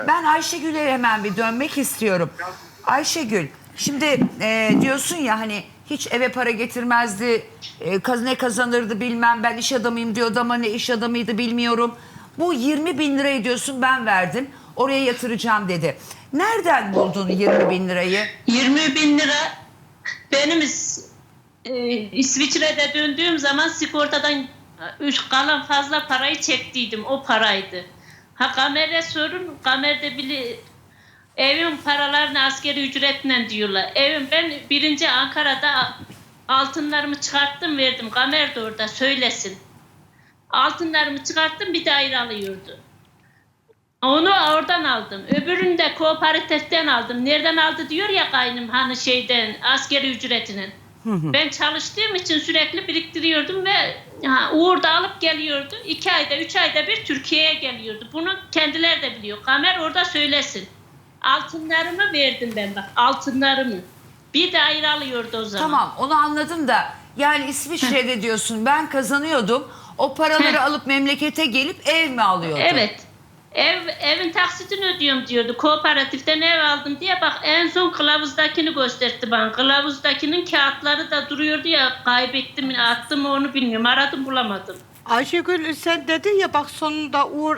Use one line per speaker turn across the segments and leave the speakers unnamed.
Ben Ayşegül'e hemen bir dönmek istiyorum. Ayşegül, şimdi diyorsun ya hani hiç eve para getirmezdi, ne kazanırdı bilmem, ben iş adamıyım diyordu ama ne iş adamıydı bilmiyorum. Bu 20 bin lirayı diyorsun ben verdim, oraya yatıracağım dedi. Nereden buldun 20 bin lirayı?
20 bin lira benim İsviçre'de döndüğüm zaman sigortadan kalan fazla parayı çektiydim. O paraydı. Ha Kamer'e sorun. Kamer'de bile evin paralarını askeri ücretle diyorlar. Ben birinci Ankara'da altınlarımı çıkarttım verdim. Kamer de orada söylesin. Altınlarımı çıkarttım bir daire alıyordu. Onu oradan aldım. Öbürünü de kooperatiften aldım. Nereden aldı diyor ya kaynım hani askeri ücretinin. Ben çalıştığım için sürekli biriktiriyordum ve Uğur da alıp geliyordu. 2 ayda 3 ayda bir Türkiye'ye geliyordu. Bunu kendileri de biliyor. Kamer orada söylesin. Altınlarımı verdim ben bak altınlarımı. Bir daire alıyordu o zaman.
Tamam, onu anladım da yani İsviçre'de diyorsun ben kazanıyordum, o paraları alıp memlekete gelip ev mi alıyordun?
Evet. Evin taksitini ödüyorum diyordu. Kooperatiften ev aldım diye bak en son kılavuzdakini gösterdi bana. Kılavuzdakinin kağıtları da duruyordu ya kaybettim mi attım mı onu bilmiyorum. Aradım bulamadım.
Ayşegül sen dedin ya bak sonunda Uğur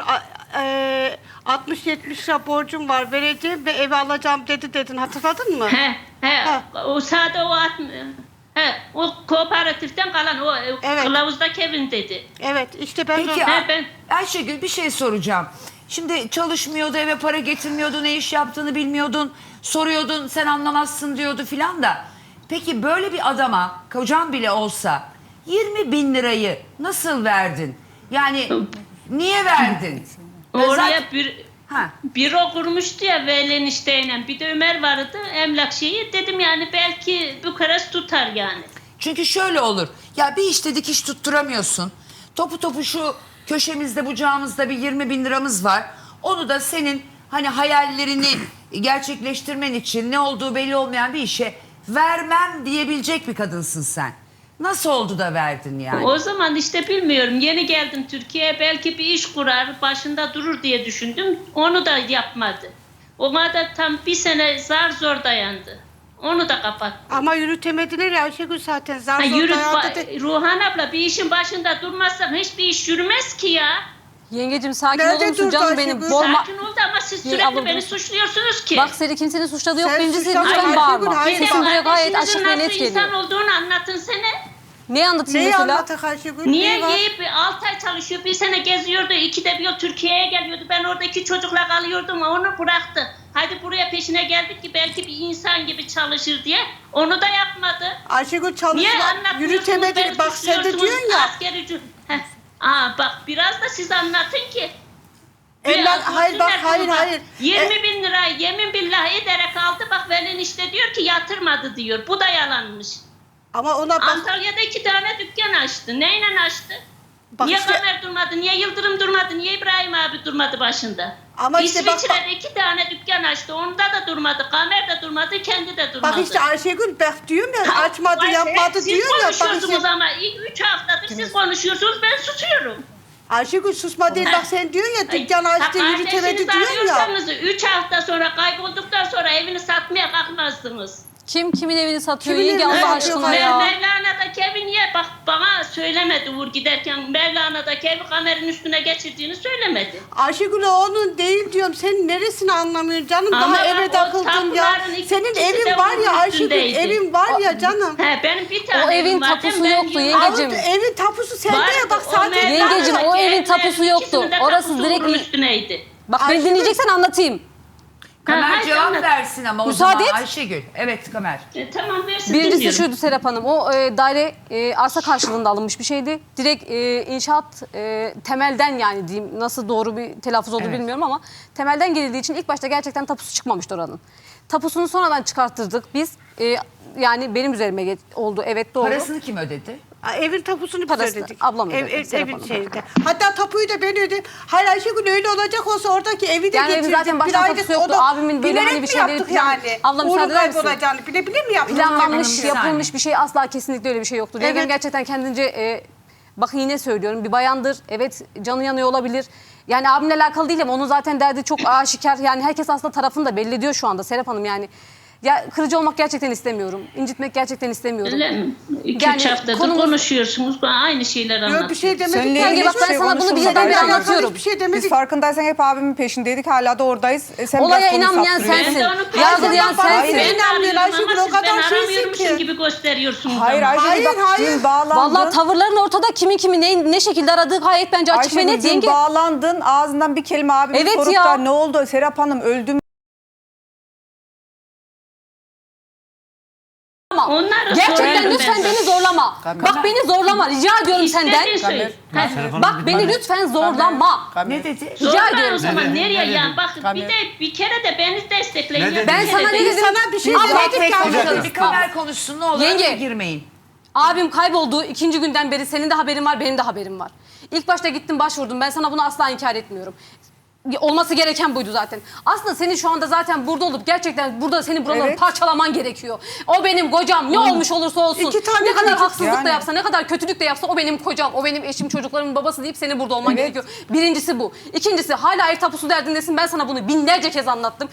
60-70 lira borcum var vereceğim ve evi alacağım dedin hatırladın mı?
He. O sade o kooperatiften kalan o
Evet.
kılavuzdaki evin dedi.
Evet işte ben
Peki
ben-
Ayşegül bir şey soracağım. Şimdi çalışmıyordu, eve para getirmiyordu, ne iş yaptığını bilmiyordun. Soruyordun, sen anlamazsın diyordu filan da. Peki böyle bir adama, kocan bile olsa 20 bin lirayı nasıl verdin? Yani niye verdin?
Oraya
Zaten- Ha.
büro kurmuştu ya Veli enişteyle. Bir de Ömer vardı emlak şeyi. Dedim yani belki Bukarest tutar yani.
Çünkü şöyle olur. Ya bir işte dikiş tutturamıyorsun. Topu topu şu köşemizde bucağımızda bir 20 bin liramız var. Onu da senin hani hayallerini gerçekleştirmen için ne olduğu belli olmayan bir işe vermem diyebilecek bir kadınsın sen. Nasıl oldu da verdin yani?
O zaman işte bilmiyorum. Yeni geldim Türkiye'ye. Belki bir iş kurar, başında durur diye düşündüm. Onu da yapmadı. Ona da tam bir sene zar zor dayandı. Onu da kapattı.
ama yürütemediler ya Ayşegül zaten zar
Ha,
zor dayandı de.
Ruhan abla bir işin başında durmazsan hiçbir iş yürümez ki ya.
Yengecim sakin
Nerede
olur musun
durdu
canım benim?
Ayşegül?
Sakin ol da ama siz sürekli
abla,
beni
dur.
suçluyorsunuz ki.
Bak seni kimsenin suçladığı yok.
Sen
Birincisi
suçlama
lütfen
Ayşegül,
bağırma.
hayır.
Sesin buraya gayet açık ve net
nasıl insan
geliyor.
olduğunu anlatın sene.
Ne anlatayım
Neyi
mesela?
anlatak Ayşegül?
Niye
Ne var?
yiyip 6 ay çalışıyor, bir sene geziyordu, 2'de bir yıl Türkiye'ye geliyordu. Ben oradaki çocukla kalıyordum, onu bıraktı. Hadi buraya peşine geldik ki belki bir insan gibi çalışır diye. Onu da yapmadı.
Ayşegül
Niye
çalışma
anlatmıyorsunuz?
yürütemedi.
Beni
Bak sen de
suçluyorsunuz,
diyorsun ya.
askeri ücret- Heh. Bak biraz da siz anlatın ki.
Hayır bak hayır.
20 bin lira yemin billah ederek aldı. Bak Velin işte diyor ki yatırmadı diyor. Bu da yalanmış.
Ama ona bak.
Antalya'da 2 tane dükkan açtı. Neyle açtı?
Bak
Niye
işte-
Kamer durmadı? Niye Yıldırım durmadı? Niye İbrahim abi durmadı başında?
Ama işte bak-
İsviçre'de 2 tane dükkan açtı. Onda da durmadı. Kamer de durmadı. Kendi de durmadı.
Bak işte Ayşegül bak diyorum ya açmadı
Ay,
yapmadı
siz
diyor ya. Bak
konuşuyorsunuz
işte,
ama ilk 3 haftadır siz konuşuyorsunuz. Ben susuyorum.
Ayşegül susma değil bak sen diyorsun ya dükkan açtı yürütemedi diyorsun ya.
3 hafta sonra kaybolduktan sonra evini satmaya kalkmazdınız.
Kimin evini satıyor
Kimin
yenge
evini
Allah
satıyor
aşkına
ya?
ya?
Mevlana'daki evi niye bak bana söylemedi Uğur giderken Mevlana'daki evi kameranın üstüne geçirdiğini söylemedi.
Ayşegül o onun değil diyorum. Sen neresini anlamıyorsun canım?
Ama
Daha eve
o
takıldın ya.
tapuların
Senin
ikisi
evin
de
var
bunun
ya Ayşegül
üstündeydi.
evin var ya canım.
Benim bir tane
O evin
evim var,
tapusu
ben
yoktu,
yıllar-
yengeciğim.
Evin tapusu sende
Vardı,
ya bak
o
sadece.
Yengeciğim, o
Mevlana'daki
evin tapusu
evlerin
yoktu.
ikisinin de
Orası
tapusu
direkt-
bunun üstüneydi.
Bak beni
Ayşegül-
dinleyeceksen anlatayım.
Kamer
hayır,
cevap
anlat.
versin ama o
Müsaade
zaman
et.
Ayşegül. Evet Kamer.
Tamam versin
Birincisi
dinliyorum.
şuydu Serap Hanım, o daire arsa karşılığında alınmış bir şeydi. Direkt inşaat temelden yani diyeyim, nasıl doğru bir telaffuz oldu
Evet.
bilmiyorum ama temelden girildiği için ilk başta gerçekten tapusu çıkmamıştı oranın. Tapusunu sonradan çıkarttırdık biz. Yani benim üzerime oldu, evet doğru.
Parasını kim ödedi?
Evin tapusunu biz
Parasını
ödedik.
ablam ödedi, Serap
Evin
Hanım.
şeyinde. Hatta tapuyu da ben ödedim. Hayır Ayşegül öyle olacak olsa oradaki evi de
Yani evin
getirdim.
zaten baştan
Bir aylık
tapusu yoktu.
onu
Abimin böyle
bilerek
hani bir
mi
şeyleri
yaptık
plan-
yani?
Abla
Uğur'un
müsaade eder misin?
kaybolacağını bile mi yaptık?
Planlanmış,
Bir saniye.
yapılmış bir şey asla kesinlikle öyle bir şey yoktur. Yengem
Evet.
gerçekten kendince bakın yine söylüyorum bir bayandır. Evet canı yanıyor olabilir. Yani abimle alakalı değil ama onun zaten derdi çok aşikar. Yani herkes aslında tarafını da belli ediyor şu anda Serap Hanım yani. Ya kırıcı olmak gerçekten istemiyorum. İncitmek gerçekten istemiyorum.
Öyle mi? 2-3
Yani
haftadır
konumuz-
konuşuyorsunuz. Aynı şeyler
Yok bir
anlatıyorsunuz.
şey demedik.
Seninle
ya.
ilgili
bak ben
hiçbir
sana bunu
konuşulmadı
birden bir
Ayşegül.
anlatıyorum.
Hiçbir şey demedik.
Biz farkındaysan hep abimin peşindeydik. Hala da oradayız. Sen
Olaya
biraz konuyu
inanmayan
saptırıyorsun.
sensin.
Ben de onu
Yargılayan
Bana
sensin.
beni inanmıyor Ayşegül, o kadar
ben
şeysin
aramıyormuşum
ki.
gibi gösteriyorsunuz
Hayır
ama.
Ayşegül
Hayır,
bak
hayır.
dün bağlandın.
Vallahi tavırların ortada kimin kimi ne şekilde aradığı gayet bence açık ve
Ayşegül
net
dün
yenge.
bağlandın. Ağzından bir kelime abime
Evet
sorup
ya.
da ne oldu Serap Hanım öldü mü?
Onları
Gerçekten
soruyorum
lütfen
ben
beni
sana.
zorlama. Bak beni zorlama rica ediyorum senden.
İstediğin söyle. Ha,
Bak beni lütfen zorlama.
Ne dedi?
Rica
Zorla
ediyorum
o zaman
sana.
nereye
Ne
ya?
dedi?
Bak bir de bir kere de beni destekleyin.
Ne
ya.
dedi?
Bir
Ben
kere
sana
de-
ne dedim?
Sana bir şey
Abla,
demedik
Tek tek
ki
konuşalım.
anladık.
Bir kamer konuşsun ne olur.
Yenge.
Araya girmeyin.
Abim kaybolduğu 2. günden beri senin de haberin var, benim de haberim var. İlk başta gittim başvurdum. Ben sana bunu asla inkar etmiyorum. Olması gereken buydu zaten. Aslında senin şu anda zaten burada olup gerçekten burada senin buraları
Evet.
parçalaman gerekiyor. O benim kocam ne olmuş olursa olsun.
İki tane
Ne kadar
çocuk
haksızlık
yani.
da yapsa, ne kadar kötülük de yapsa o benim kocam, o benim eşim, çocuklarımın babası deyip senin burada olman
Evet.
gerekiyor. Birincisi bu. İkincisi hala ev tapusu derdindesin. Ben sana bunu binlerce kez anlattım.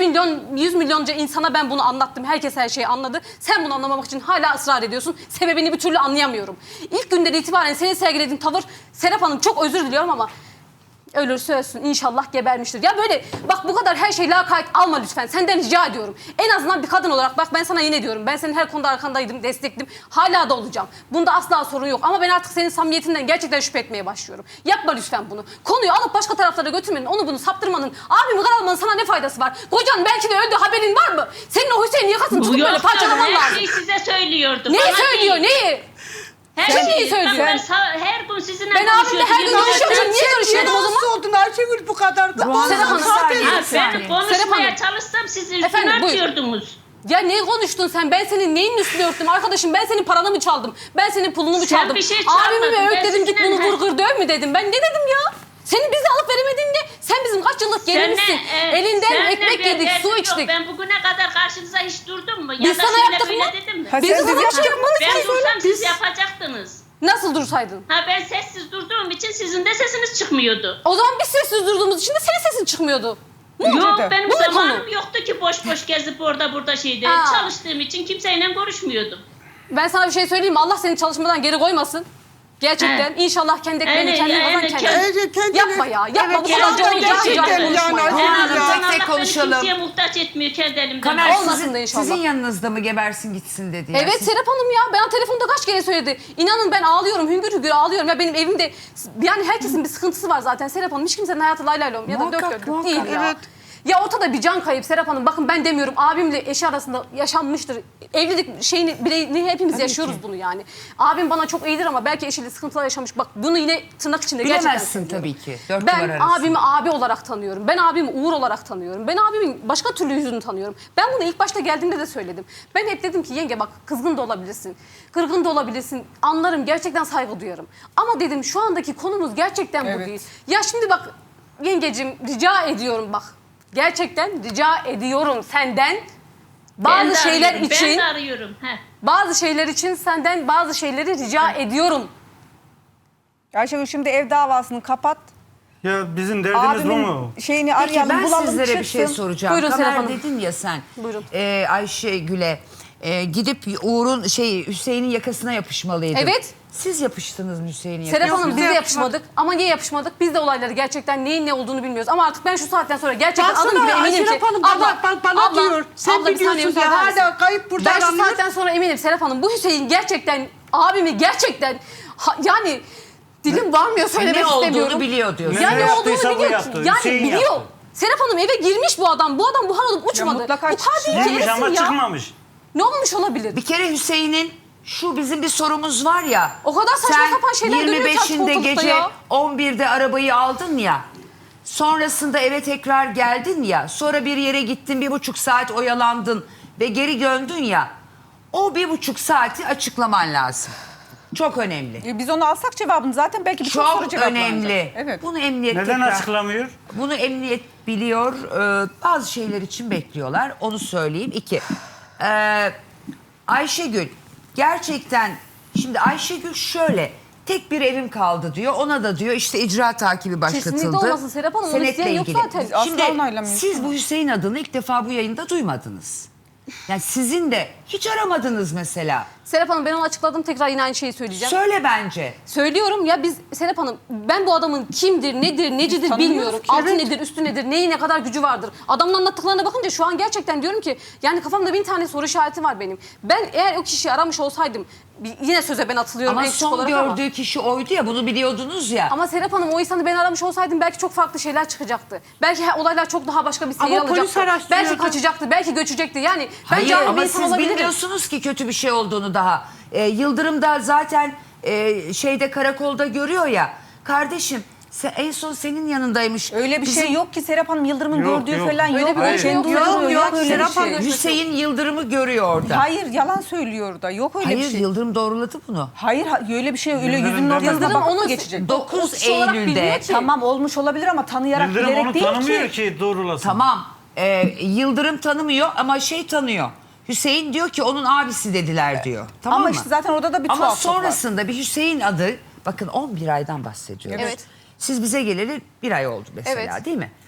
100 milyonca insana ben bunu anlattım. Herkes her şeyi anladı. Sen bunu anlamamak için hala ısrar ediyorsun. Sebebini bir türlü anlayamıyorum. İlk günden itibaren senin sergilediğin tavır, Serap Hanım çok özür diliyorum ama ölürse ölsün inşallah gebermiştir. Ya böyle bak bu kadar her şeyi lakayt alma lütfen. Senden rica ediyorum. En azından bir kadın olarak bak ben sana yine diyorum. Ben senin her konuda arkandaydım, destektim. Hala da olacağım. Bunda asla sorun yok. Ama ben artık senin samimiyetinden gerçekten şüphe etmeye başlıyorum. Yapma lütfen bunu. Konuyu alıp başka taraflara götürmenin, onu bunu saptırmanın, abimi karalamanın sana ne faydası var? Kocan belki de öldü, haberin var mı? Senin o Hüseyin yakasını
Bu
tutup böyle
yok
parçalaman
her
lazım.
şeyi size söylüyordu.
Neyi
Bana
söylüyor,
değil.
neyi?
Her
Sen neyi
şeyi.
söylüyorsun?
Bak her gün sizinle
Ben abimle her gün
konuşuyordum.
görüşüyorum. Niye görüşüyordum o zaman?
Nasıl oldun Ayşegül bu kadar?
Serap Hanım,
Zaten-
Ha,
Saniye.
ben
Serap
konuşmaya
Hanım.
çalışsam siz
Efendim,
üstüme
buyurun.
atıyordunuz.
Ya ne konuştun sen? Ben senin neyin üstüne örttüm? Arkadaşım ben senin paranı mı çaldım? Ben senin pulunu mu
Sen
çaldım?
bir şey
Abimi mi
çalmadın,
öğüt
ben
dedim git
sizinle-
bunu vur kır döv mü dedim? Ben ne dedim ya? Senin bizi alıp veremediğinde sen bizim kaç yıllık gelinmişsin. Elinden
seninle
ekmek
bir
yedik,
derdim
su
yok.
içtik.
Ben bugüne kadar karşınıza hiç durdum mu? Ya
Biz
da
sana
şöyle
yaptık
böyle
mı?
dedim mi?
Ha,
Biz
sen
sana
de
bir şey yapmadık.
Ben
ki.
dursam siz yapacaktınız.
Nasıl dursaydın?
Ha ben sessiz durduğum için sizin de sesiniz çıkmıyordu.
O zaman biz sessiz durduğumuz için de senin sesin çıkmıyordu.
Yok
dedi?
benim
Bu mu
zamanım
konu?
yoktu ki boş boş gezip orada burada şeyde.
Ha.
Çalıştığım için kimseyle görüşmüyordum.
Ben sana bir şey söyleyeyim mi? Allah seni çalışmadan geri koymasın. Gerçekten. İnşallah kendi ekmeğini kendin kazan kendin.
Kendine-
Yapma ya. Yapma
Evet,
bu kadar
gerçekten
cahil
yani
konuşma ya.
Ayşegül
Hanım,
ya.
tek tek
Allah
konuşalım.
beni kimseye muhtaç etmiyor kendi elimden.
Kamer
Olmasın
sizin,
da inşallah.
sizin yanınızda mı gebersin gitsin dedi. ya.
Evet
Siz-
Serap Hanım ya ben telefonda kaç kere söyledi. İnanın ben ağlıyorum hüngür hüngür ağlıyorum. Ya benim evimde yani herkesin bir sıkıntısı var zaten Serap Hanım. Hiç kimsenin hayatı lay lay lom ya da dök
Muhakkak,
dök
muhakkak,
değil ya.
evet.
Ya ortada bir can kayıp Serap Hanım. Bakın ben demiyorum abimle eşi arasında yaşanmıştır. Evlilik şeyini bireyini hepimiz yaşıyoruz bunu yani. Abim bana çok iyidir ama belki eşiyle sıkıntılar yaşamış. Bak bunu yine tırnak içinde gerçekten
Bilemezsin
söylüyorum.
tabii ki. Dört duvar
Ben
arası.
abimi abi olarak tanıyorum. Ben abimi Uğur olarak tanıyorum. Ben abimin başka türlü yüzünü tanıyorum. Ben bunu ilk başta geldiğimde de söyledim. Ben hep dedim ki yenge bak kızgın da olabilirsin. Kırgın da olabilirsin. Anlarım gerçekten saygı duyarım. Ama dedim şu andaki konumuz gerçekten bu
Evet.
değil. Ya şimdi bak yengecim rica ediyorum bak. Gerçekten rica ediyorum senden
Ben de
bazı şeyler
arıyorum,
için
Ben de arıyorum. Heh.
bazı şeyler için senden bazı şeyleri rica ediyorum.
Ayşegül şimdi ev davasını kapat.
Ya bizim derdimiz bu mu?
Abimin şeyini
Peki
arayalım
ben
bulalım
sizlere bir
çıksın.
şey soracağım.
Buyurun Serap
Kamer
Hanım.
dedin ya sen
Buyurun.
Ayşegül'e gidip Uğur'un Hüseyin'in yakasına yapışmalıydın.
Evet.
Siz yapıştınız mı Hüseyin'in
Serap
yakasına?
Hanım biz de
Biz de
yapışmadık. Ama niye yapışmadık? Biz de olayları gerçekten neyin ne olduğunu bilmiyoruz. Ama artık ben şu saatten sonra gerçekten adım gibi
Baksana
eminim ki...
Serap Hanım bana diyor. Sen
bir saniye
biliyorsun ya
müsaade misin?
hala kayıp burada
Ben şu
aranıyor.
saatten sonra eminim Serap Hanım. Bu Hüseyin gerçekten abimi gerçekten yani dilim varmıyor söylemek
Ne olduğunu
istemiyorum.
biliyor diyorsun.
Ya
Ne
ne olduğunu
yaptıysa bu
biliyor.
yaptı,
Yani
Hüseyin
biliyor.
yaptı.
Serap Hanım eve girmiş bu adam. Bu adam buhar olup uçmadı.
mutlaka
Bu katil
çıksın.
Girmiş ama
ya.
çıkmamış.
Ne olmuş olabilir?
Bir kere Hüseyin'in şu bizim bir sorumuz var ya.
O kadar saçma
sen
sapan şeyler dönüyor ki artık
25'inde
ortalıkta
gece
ya.
11'de arabayı aldın ya. Sonrasında eve tekrar geldin ya. Sonra bir yere gittin 1,5 saat oyalandın ve geri döndün ya. O 1,5 saati açıklaman lazım. Çok önemli.
Biz onu alsak cevabını zaten belki birçok soru
Çok
cevaplanacak.
önemli.
Evet.
Bunu emniyet
Neden
tekrar...
açıklamıyor?
Bunu emniyet biliyor. Bazı şeyler için bekliyorlar. Onu söyleyeyim. 2. Ayşegül gerçekten şimdi Ayşegül şöyle tek bir evim kaldı diyor. Ona da diyor işte icra takibi başlatıldı.
Kesinlikle olmasın Serap Hanım, onu
Senetle
isteyen yok
ilgili.
zaten.
Şimdi
Asla onaylamıyoruz.
siz bu Hüseyin adını ilk defa bu yayında duymadınız. Yani sizin de hiç aramadınız mesela.
Serap Hanım ben onu açıkladım, tekrar yine aynı şeyi söyleyeceğim.
Söyle bence.
Söylüyorum ya, biz Serap Hanım, ben bu adamın kimdir, nedir, necidir
Tanımıyoruz
bilmiyorum.
ki,
Altı
evet.
nedir, üstü nedir, neyi ne kadar gücü vardır. Adamın anlattıklarına bakınca şu an gerçekten diyorum ki yani kafamda 1000 tane soru işareti var benim. Ben eğer o kişiyi aramış olsaydım, yine söze ben atılıyorum
Ama
en küçük
son
olarak ama.
gördüğü kişi oydu ya, bunu biliyordunuz ya.
Ama Serap Hanım, o insanı ben aramış olsaydım belki çok farklı şeyler çıkacaktı. Belki olaylar çok daha başka bir seyir
Ama polis
alacaktı.
araştırıyordu.
Belki kaçacaktı, belki göçecekti. Yani ben
Hayır
canlı bir
ama
insan
siz
olabilirim.
bilmiyorsunuz ki kötü bir şey olduğunu daha. Yıldırım da zaten şeyde, karakolda görüyor ya. Kardeşim en son senin yanındaymış.
Öyle bir
Bizim
şey yok ki Serap Hanım, Yıldırım'ın
Yok,
gördüğü
yok.
falan
Öyle
yok.
bir
Hayır.
şey yok.
Kendi uydurmuyor,
Yok,
öyle bir
Serap
şey.
Hanım.
Hüseyin Yıldırım'ı görüyor orada.
Hayır, yalan söylüyor da. Yok öyle
Hayır,
bir şey.
Yıldırım doğruladı bunu.
Hayır, öyle bir şey, öyle
Yıldırım
yüzünün ortasına
demedi.
bakıp
onu
mı geçecek?
9
kişi olarak
Eylül'de.
bilmiyor ki.
Tamam, olmuş olabilir ama tanıyarak,
Yıldırım
bilerek
onu
değil
tanımıyor
ki.
ki doğrulasın.
Tamam. Yıldırım tanımıyor ama şey tanıyor. Hüseyin diyor ki onun abisi dediler diyor. Tamam
Ama
mı?
işte zaten orada da bir
Ama
tuhaflık var.
sonrasında bir Hüseyin adı, bakın 11 aydan bahsediyoruz.
Evet.
Siz bize geleli 1 ay oldu mesela,
Evet.
değil mi?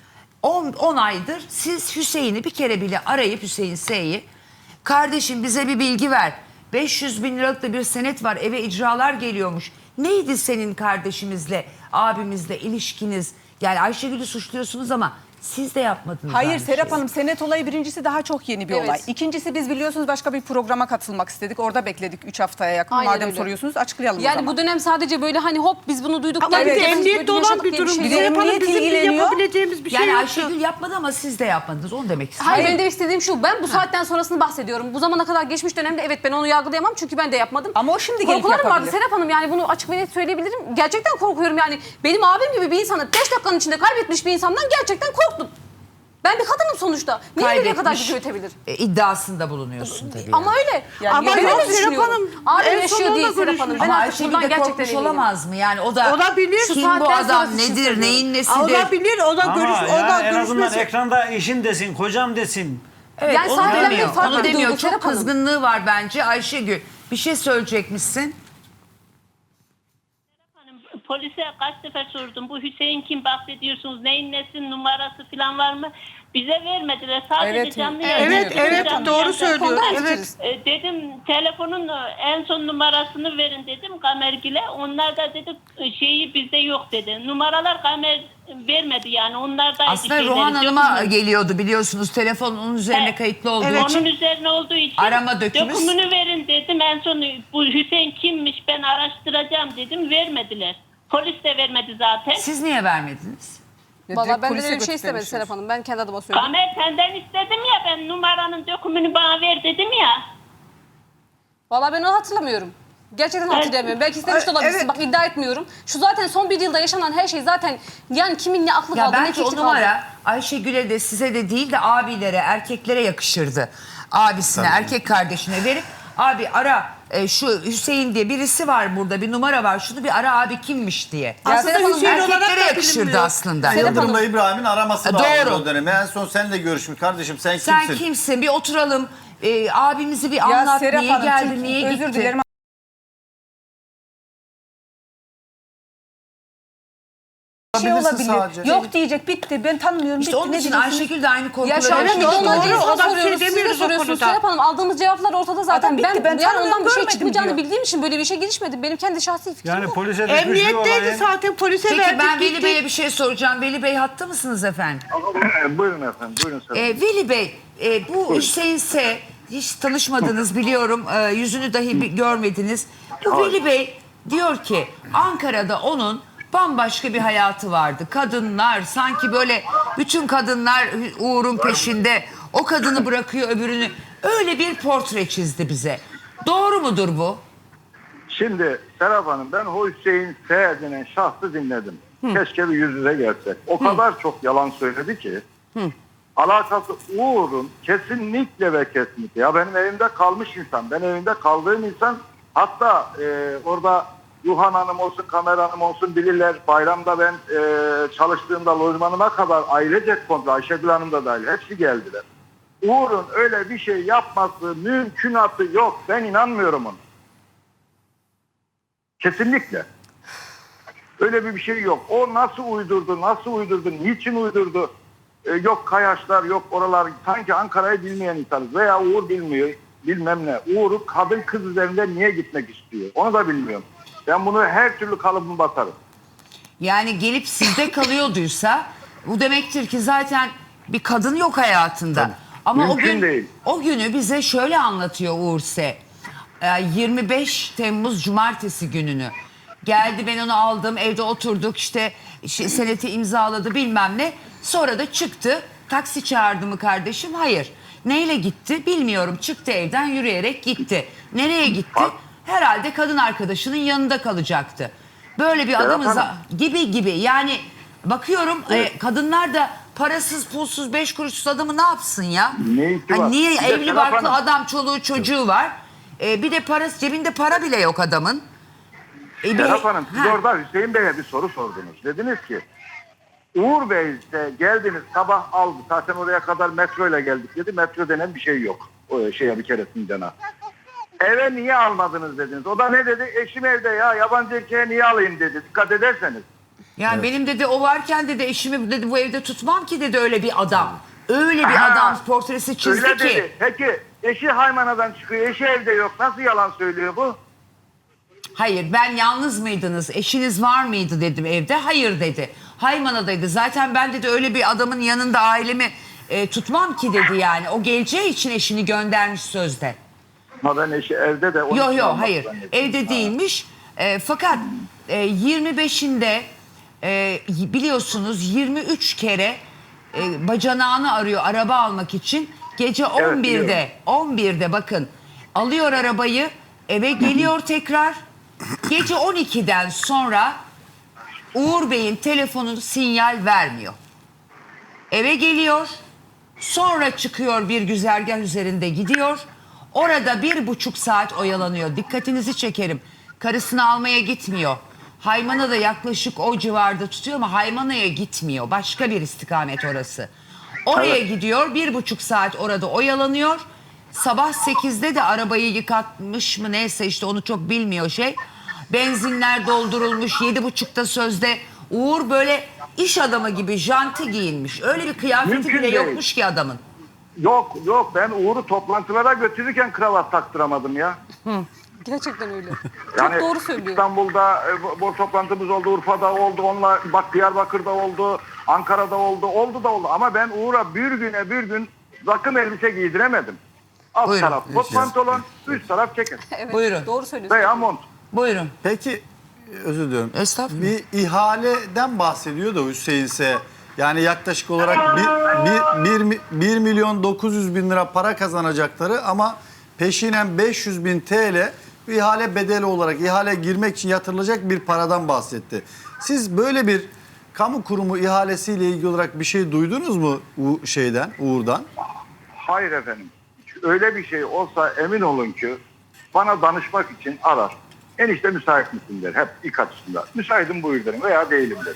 10 aydır siz Hüseyin'i bir kere bile arayıp, Hüseyin S'yi, kardeşim bize bir bilgi ver. 500 bin liralık da bir senet var, eve icralar geliyormuş. Neydi senin kardeşimizle, abimizle ilişkiniz? Yani Ayşegül'ü suçluyorsunuz ama siz de yapmadınız.
Hayır
aynı
Serap
şeyi.
Hanım, senet olayı birincisi daha çok yeni bir
Evet.
olay. İkincisi, biz biliyorsunuz başka bir programa katılmak istedik. Orada bekledik 3 haftaya yakın.
Aynen
Madem
öyle.
soruyorsunuz açıklayalım o
Yani
zaman.
bu dönem sadece böyle hani hop biz bunu duyduk.
Ama bir
geldik,
de
biz
emniyette
böyle
olan
yaşadık
bir
diye
durum.
şey
Bir de
yok.
Serap Hanım,
emniyet
bizim bir
ilgileniyor.
yapabileceğimiz bir şey
Yani
yok.
Ayşegül yapmadı ama siz de yapmadınız. Onu demek istiyorum.
Hayır, benim demek istediğim şu, ben bu saatten sonrasını bahsediyorum. Bu zamana kadar geçmiş dönemde evet ben onu yargılayamam çünkü ben de yapmadım.
Ama o şimdi gelip
Korkularım vardı
yapabilir.
Serap Hanım, yani bunu açık ve net söyleyebilirim. Gerçekten korkuyorum yani. Benim abim gibi bir insanı 5 dakikanın içinde kaybetmiş bir insandan gerçekten korktum. Ben bir kadınım sonuçta. Niye nereye kadar gücü yetebilir?
İddiasında bulunuyorsun tabii.
Ama öyle.
Yani
Ama
ben
yok,
öyle
Serap
düşünüyorum.
Hanım,
Abim
en son
yaşıyor
onunla
değil Serap Hanım.
görüşmüş.
Ben
Ama
artık
Ayşegül
buradan
de
gerçekten
korkmuş
eminim.
olamaz mı? Yani o da
Olabilir.
kim
Şu
bu
saatten
adam,
sonrası için
nedir,
söylüyorum.
neyin nesidir?
Olabilir, o da
Ama
görüş, o
yani
da
en azından
görüşmesi.
ekranda eşim desin, kocam desin.
Evet,
Yani
onu
sahiplenmek
demiyor.
farklı
Onu
bir
demiyor.
duygu,
Çok
Serap Hanım.
kızgınlığı var bence. Ayşegül bir şey söyleyecekmişsin.
Polise kaç sefer sordum. Bu Hüseyin kim bahsediyorsunuz? Neyin nesin numarası falan var mı? Bize vermediler. Sadece
Evet,
canlı
evet,
yayında.
Evet, evet,
Canlı
doğru
yayında.
söylüyor.
Konuda
Evet.
hemfikiriz.
Dedim telefonun en son numarasını verin dedim Kamergil'e. Onlar da dedi şeyi bizde yok dedi. Numaralar Kamer vermedi yani. Onlar da
Aslında Ruhan Hanım'a geliyordu biliyorsunuz. Telefon onun üzerine
Evet.
kayıtlı olduğu
Evet.
için.
Onun üzerine olduğu için
Arama dökümüz.
dökümünü verin dedim. En son bu Hüseyin kimmiş ben araştıracağım dedim. Vermediler. Polis de vermedi zaten.
Siz niye vermediniz?
Valla
Direkt
benden
polise
öyle bir şey istemedi
götürmemişsiniz.
Serap Hanım. Ben kendi adıma söyleyeyim.
Kamer senden istedim ya ben numaranın dökümünü bana ver dedim ya.
Valla ben onu hatırlamıyorum. Gerçekten hatırlamıyorum. Belki istemiş de olabilirsin.
Evet.
Bak iddia etmiyorum. Şu zaten son bir yılda yaşanan her şey zaten yani kimin ne aklı
Ya
kaldı ne
belki o
fikri kaldı.
numara Ayşegül'e de size de değil de abilere, erkeklere yakışırdı. Abisine, erkek kardeşine verip abi ara şu Hüseyin diye birisi var burada, bir numara var, şunu bir ara abi kimmiş diye.
Aslında
Serap Hanım,
Hüseyin olarak
Erkeklere
da
yakışırdı
bilinmiyor.
aslında.
Serap
Yıldırım'la
Hanım.
İbrahim'in araması
Doğru.
lazım o dönemi. En son seninle görüşmüş. Kardeşim sen
Sen
kimsin?
kimsin? Bir oturalım. Abimizi bir
Ya
anlat.
Serap
Niye
Hanım,
geldi,
çünkü
niye gitti?
özür dilerim şey
Olabilirsin
olabilir.
sadece.
Yok diyecek, bitti. Ben tanımıyorum.
İşte
bitti.
onun
Ne
için
diyeceksiniz?
Ayşegül de aynı korkuları
Ya şu anda
yaşıyor.
milyonlarca
Doğru,
insan
o da bir şey
soruyoruz. Siz de
demiyoruz o
soruyorsunuz
konuda.
Serap Hanım. Aldığımız cevaplar ortada zaten.
Adam bitti, ben
yani
tanımıyorum,
ondan bir şey
görmedim
çıkmayacağını
diyor.
bildiğim için böyle bir şey girişmedim. Benim kendi şahsi fikrim
Yani
bu.
polise düşmüş bir
Emniyetteydi
olayın.
zaten, polise
Peki
verdik
ben Veli
gitti.
Bey'e bir şey soracağım. Veli Bey hatta mısınız efendim?
Buyurun efendim, buyurun efendim.
Veli Bey, bu Hüseyin S. hiç tanışmadınız biliyorum. Yüzünü dahi görmediniz. Bu Veli Bey diyor ki Ankara'da onun bambaşka bir hayatı vardı. Kadınlar sanki böyle bütün kadınlar Uğur'un peşinde. O kadını bırakıyor öbürünü. Öyle bir portre çizdi bize. Doğru mudur bu?
Şimdi Serap Hanım, ben o Hüseyin S. denen şahsı dinledim. Keşke bir yüz yüze gelsek. O kadar çok yalan söyledi ki. Alakası Uğur'un kesinlikle ve kesinlikle. Ya benim evimde kalmış insan. Ben evimde kaldığım insan. Hatta orada Yuhan Hanım olsun, Kamer Hanım olsun bilirler. Bayramda ben çalıştığımda lojmanıma kadar ailecek kontrol, Ayşegül Hanım da dahil hepsi geldiler. Uğur'un öyle bir şey yapması mümkünatı yok. Ben inanmıyorum ona. Kesinlikle. Öyle bir şey yok. O nasıl uydurdu, niçin uydurdu? Yok Kayaşlar, yok oralar. Sanki Ankara'yı bilmeyen insanız. Veya Uğur bilmiyor, bilmem ne. Uğur'u kadın kız üzerinde niye gitmek istiyor? Onu da bilmiyorum. Ben bunu her türlü kalıbımı batarım.
Yani gelip sizde kalıyorduysa bu demektir ki zaten bir kadın yok hayatında. Ama
Mümkün değil.
o günü bize şöyle anlatıyor Uğurse. 25 Temmuz Cumartesi gününü. Geldi, ben onu aldım, evde oturduk, işte seneti imzaladı bilmem ne. Sonra da çıktı. Taksi çağırdı mı kardeşim? Hayır. Neyle gitti? Bilmiyorum. Çıktı evden, yürüyerek gitti. Nereye gitti? Herhalde kadın arkadaşının yanında kalacaktı. Böyle bir adamız gibi. Yani bakıyorum kadınlar da parasız, pulsuz, 5 kuruşsuz adamı ne yapsın ya?
Ne var?
Hani niye?
Bir de
Evli
Serap
barklı
Hanım.
adam, çoluğu çocuğu var. Bir de parası, cebinde para bile yok adamın.
Serap Hanım, siz
Ha.
orada Hüseyin Bey'e bir soru sordunuz. Dediniz ki Uğur Bey de geldiniz, sabah aldı. Zaten oraya kadar metro ile geldik dedi. Metro denen bir şey yok. O şeye bir keresinde. Eve niye almadınız dediniz. O da ne dedi? Eşim evde ya, yabancı erkeğe niye alayım dedi. Dikkat ederseniz.
Yani benim dedi o varken dedi eşimi dedi bu evde tutmam ki dedi öyle bir adam. Öyle bir adam portresi çizdi
Öyle
ki.
dedi. Peki eşi Haymana'dan çıkıyor. Eşi evde yok. Nasıl yalan söylüyor bu?
Hayır, ben yalnız mıydınız? Eşiniz var mıydı dedim evde. Hayır dedi. Haymana'daydı. Zaten ben dedi öyle bir adamın yanında ailemi tutmam ki dedi yani. O geleceği için eşini göndermiş sözde.
Ama ben eşi evde de...
Yok hayır. Evde değilmiş. Fakat 25'inde biliyorsunuz 23 kere bacanağını arıyor araba almak için. Gece 11'de bakın alıyor arabayı, eve geliyor tekrar. Gece 12'den sonra Uğur Bey'in telefonu sinyal vermiyor. Eve geliyor, sonra çıkıyor, bir güzergah üzerinde gidiyor. Orada 1,5 saat oyalanıyor. Dikkatinizi çekerim. Karısını almaya gitmiyor. Haymana da yaklaşık o civarda tutuyor ama Haymana'ya gitmiyor. Başka bir istikamet orası. Oraya gidiyor, 1,5 saat orada oyalanıyor. Sabah 8'de de arabayı yıkatmış mı neyse işte onu çok bilmiyor Benzinler doldurulmuş, 7,5'da sözde. Uğur böyle iş adamı gibi janti giyinmiş. Öyle bir kıyafeti
Mümkün
bile
değil.
yokmuş ki adamın.
Yok ben Uğur'u toplantılara götürürken kravat taktıramadım ya.
Gerçekten öyle.
Yani
Çok doğru söylüyor.
İstanbul'da bu toplantımız oldu, Urfa'da oldu, onunla bak Diyarbakır'da oldu, Ankara'da oldu ama ben Uğur'a bir gün takım elbise giydiremedim. Alt
Buyurun.
taraf kot pantolon, üst taraf ceket
Evet,
Buyurun.
doğru söylüyorsun.
veya mont.
Buyurun.
Peki özür diliyorum.
Estağfurullah.
Bir ihaleden bahsediyor da Hüseyin'se. Yani yaklaşık olarak 1 milyon 900 bin lira para kazanacakları ama peşinen 500 bin TL bir ihale bedeli olarak ihale girmek için yatırılacak bir paradan bahsetti. Siz böyle bir kamu kurumu ihalesiyle ilgili olarak bir şey duydunuz mu Uğur'dan?
Hayır efendim. Öyle bir şey olsa emin olun ki bana danışmak için arar. Enişte müsait misin der. Hep ilk açısında. Müsaitim buyur derim veya değilim derim.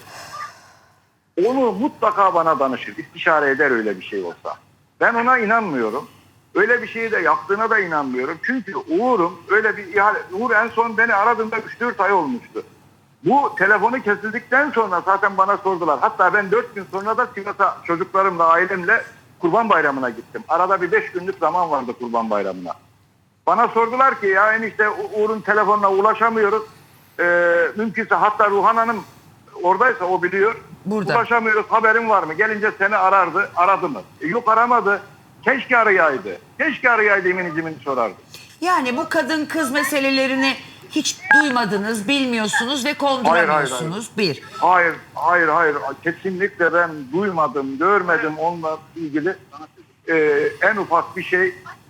Onu mutlaka bana danışır. İstişare eder öyle bir şey olsa. Ben ona inanmıyorum. Öyle bir şeyi de yaptığına da inanmıyorum. Çünkü Uğur'un öyle bir ihale... Uğur en son beni aradığında 3-4 ay olmuştu. Bu telefonu kesildikten sonra zaten bana sordular. Hatta ben 4 gün sonra da Sivas'a çocuklarımla, ailemle Kurban Bayramı'na gittim. Arada bir 5 günlük zaman vardı Kurban Bayramı'na. Bana sordular ki ya enişte Uğur'un telefonuna ulaşamıyoruz. Mümkünse hatta Ruhan Hanım oradaysa o biliyor.
Burada.
Ulaşamıyoruz, haberin var mı? Gelince seni arardı. Aradı mı? Yok aramadı. Keşke arayaydı. Keşke arayaydı emin sorardı.
Yani bu kadın kız meselelerini hiç duymadınız, bilmiyorsunuz ve konduramıyorsunuz. Bir.
Hayır. Kesinlikle ben duymadım, görmedim onunla ilgili en ufak bir şey.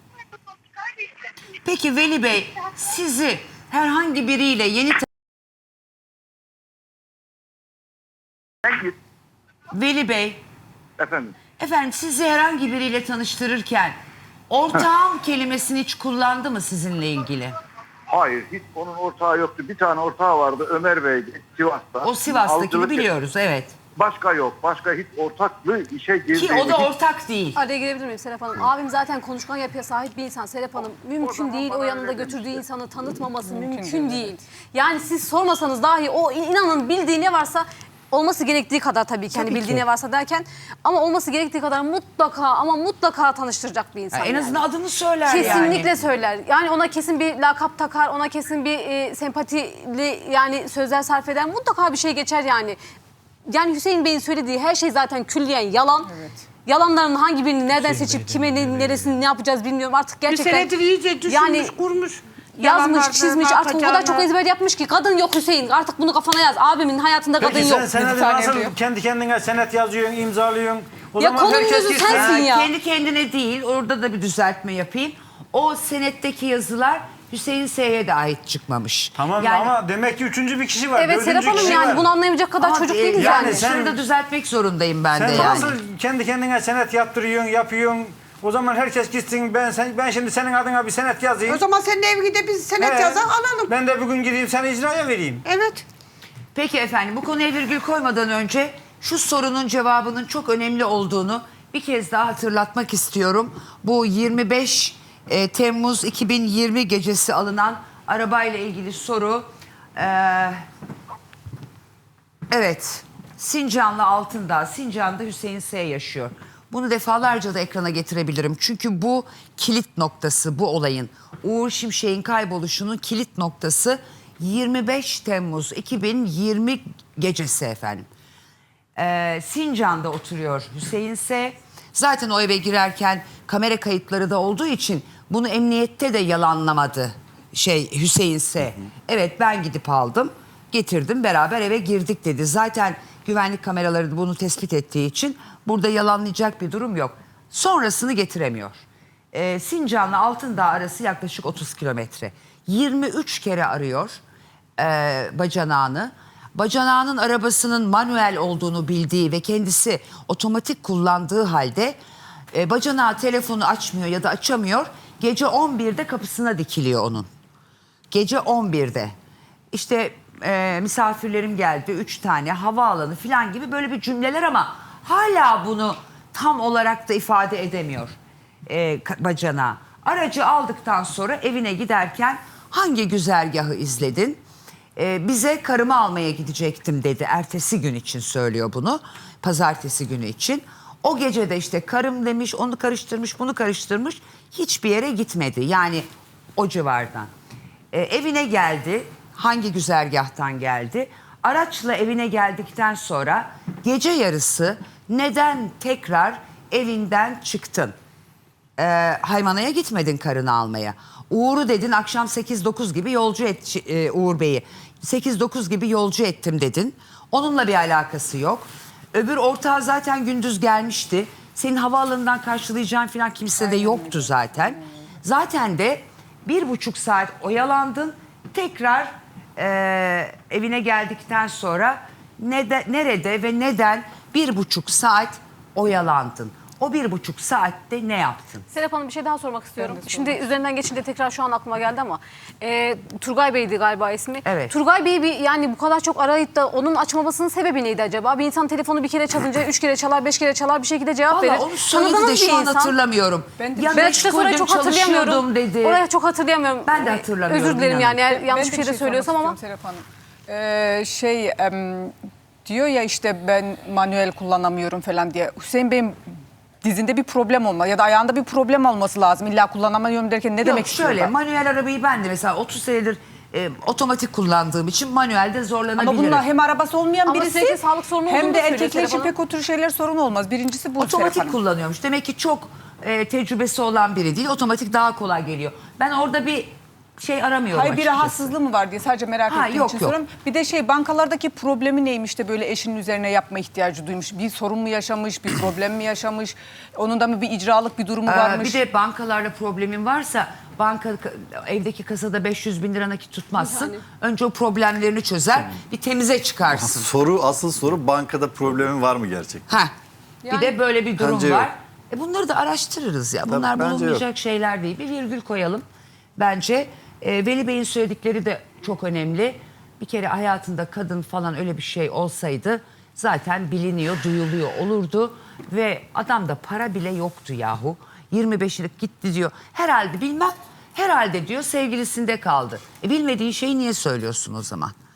Peki Veli Bey, sizi herhangi biriyle yeni
Sen git
Veli Bey,
efendim.
efendim sizi herhangi biriyle tanıştırırken ortağım kelimesini hiç kullandı mı sizinle ilgili?
Hayır, hiç onun ortağı yoktu. Bir tane ortağı vardı, Ömer Bey'di, Sivas'ta.
O Sivas'takini
Avcılık-
biliyoruz, evet.
Başka yok. Başka hiç ortaklı işe
Ki
girdiğini...
o da ortak değil.
Araya girebilir miyim Serap Hanım? Abim zaten konuşkan yapıya sahip bir insan Serap Hanım. Mümkün değil o yanında götürdüğü insanı tanıtmaması mümkün değil. Yani siz sormasanız dahi o inanın bildiği ne varsa olması gerektiği kadar tabii ki. Hani
Tabii
bildiği
ki.
ne varsa derken ama olması gerektiği kadar mutlaka ama mutlaka tanıştıracak bir insan.
En
yani.
azından adını söyler
Kesinlikle
yani.
söyler. Yani ona kesin bir lakap takar, ona kesin bir sempatili yani sözler sarf eder. Mutlaka bir şey geçer yani. Yani Hüseyin Bey'in söylediği her şey zaten külliyen yalan. Yalanların hangi birini nereden seçip kime neresini ne yapacağız bilmiyorum artık
Bir
gerçekten.
senedir iyice düşünmüş,
Yani
kurmuş.
yazmış,
Yalanlardan
çizmiş artık o kadar çok
atacağını.
ezber yapmış ki kadın yok Hüseyin artık bunu kafana yaz. Abimin hayatında kadın
Peki
yok.
sen senedi
tane
nasıl
diyor.
kendi kendine senet yazıyorsun, imzalıyorsun? O
Ya
zaman
konunun
herkes
özü
gitsin.
sensin ya.
Kendi kendine değil, orada da bir düzeltme yapayım. O senetteki yazılar Hüseyin S'ye de ait çıkmamış.
Tamam
Yani-
ama demek ki üçüncü bir kişi var.
Evet
dördüncü
Serap Hanım
kişi
yani
var.
bunu anlayamayacak kadar
Ama,
çocuk değiliz
yani
yani.
sen-
Şunu da düzeltmek zorundayım ben
Sen
de yani.
nasıl kendi kendine senet yaptırıyorsun, yapıyorsun? O zaman herkes gitsin. Ben şimdi senin adına bir senet yazayım.
O zaman senin evine biz senet
He.
yazan alalım.
Ben de bugün gideyim seni icraya vereyim.
Evet.
Peki efendim, bu konuya virgül koymadan önce şu sorunun cevabının çok önemli olduğunu bir kez daha hatırlatmak istiyorum. Bu 25 Temmuz 2020 gecesi alınan arabayla ilgili soru. Evet, Sincanlı Altındağ, Sincan'da Hüseyin S. yaşıyor. Bunu defalarca da ekrana getirebilirim. Çünkü bu kilit noktası, bu olayın. Uğur Şimşek'in kayboluşunun kilit noktası 25 Temmuz 2020 gecesi efendim. Sincan'da oturuyor Hüseyin S. Zaten o eve girerken kamera kayıtları da olduğu için bunu emniyette de yalanlamadı Hüseyin S. Evet, ben gidip aldım, getirdim, beraber eve girdik dedi. Zaten güvenlik kameraları da bunu tespit ettiği için burada yalanlayacak bir durum yok. Sonrasını getiremiyor. Sincan'la Altındağ arası yaklaşık 30 kilometre. 23 kere arıyor bacanağını. Bacanağının arabasının manuel olduğunu bildiği ve kendisi otomatik kullandığı halde bacanağı telefonu açmıyor ya da açamıyor. Gece 11'de kapısına dikiliyor onun. Gece 11'de. İşte misafirlerim geldi 3 tane havaalanı falan gibi böyle bir cümleler ama hala bunu tam olarak da ifade edemiyor bacanağı. Aracı aldıktan sonra evine giderken hangi güzergahı izledin? Bize karımı almaya gidecektim dedi. Ertesi gün için söylüyor bunu. Pazartesi günü için. O gece de işte karım demiş, onu karıştırmış, bunu karıştırmış. Hiçbir yere gitmedi. Yani o civardan. Evine geldi. Hangi güzergahtan geldi? Araçla evine geldikten sonra gece yarısı neden tekrar evinden çıktın? Haymana'ya gitmedin karını almaya. Uğur'u dedin akşam 8-9 gibi yolcu et Uğur Bey'i. 8-9 gibi yolcu ettim dedin. Onunla bir alakası yok. Öbür ortağı zaten gündüz gelmişti. Senin havaalanından karşılayacağın falan kimse de yoktu zaten. Zaten de 1,5 saat oyalandın. Tekrar evine geldikten sonra nerede ve neden 1,5 saat oyalandın? O 1,5 saatte ne yaptın?
Serap Hanım bir şey daha sormak istiyorum. Şimdi üzerinden geçince tekrar şu an aklıma geldi ama Turgay Bey'di galiba ismi.
Evet.
Turgay Bey'i yani bu kadar çok arayıp da onun açmamasının sebebi neydi acaba? Bir insan telefonu bir kere çalınca 3 kere çalar, 5 kere çalar bir şekilde cevap verir.
Valla onu söyledi de
Tanıdığınız bir
şu an
insan.
hatırlamıyorum.
Ben de-
Ya
Ben işte orayı çok
meşguldüm,
hatırlayamıyorum.
çalışıyordum dedi.
Orayı çok hatırlayamıyorum.
Ben de hatırlamıyorum,
Özür dilerim
inanın.
yani eğer yanlış
Ben
bir şey de söylüyorsam
sormak
ama.
istiyorum Serap Hanım. Diyor ya işte ben manuel kullanamıyorum falan diye. Hüseyin Bey'in dizinde bir problem olma ya da ayağında bir problem olması lazım. İlla kullanamıyorum derken ne demek
Yok
istiyor?
şöyle manuel arabayı ben de mesela 30 senedir otomatik kullandığım için manuelde zorlanabilirim.
Ama bununla hem arabası olmayan
Ama
birisi
sürekli sağlık sorunu
hem
olduğunu
de
söylüyor
erkekler için
Serap Hanım.
pek o tür şeyler sorun olmaz. Birincisi bu Serap
Otomatik
Hanım.
kullanıyormuş. Demek ki çok tecrübesi olan biri değil. Otomatik daha kolay geliyor. Ben orada bir şey aramıyorum
Hayır bir
açıkçası.
rahatsızlığı mı var diye sadece merak
Ha,
ettiğim
yok,
için
yok.
soruyorum. Bir de bankalardaki problemi neymiş de böyle eşinin üzerine yapma ihtiyacı duymuş. Bir sorun mu yaşamış, bir problem mi yaşamış? Onun da mı bir icralık bir durumu varmış?
Bir de bankalarla problemin varsa evdeki kasada 500 bin lira nakit tutmazsın. Önce o problemlerini çözer. Bir temize çıkarsın.
Asıl soru bankada problemin var mı gerçekten?
Ha. Bir de böyle bir durum
Bence
var.
yok.
Bunları da araştırırız ya. Bunlar
bence
bulunmayacak şeyler değil. Bir virgül koyalım. Bence Veli Bey'in söyledikleri de çok önemli. Bir kere hayatında kadın falan öyle bir şey olsaydı zaten biliniyor, duyuluyor olurdu. Ve adamda para bile yoktu yahu. 25'lik gitti diyor. Herhalde bilmem, herhalde diyor sevgilisinde kaldı. Bilmediğin şeyi niye söylüyorsun o zaman?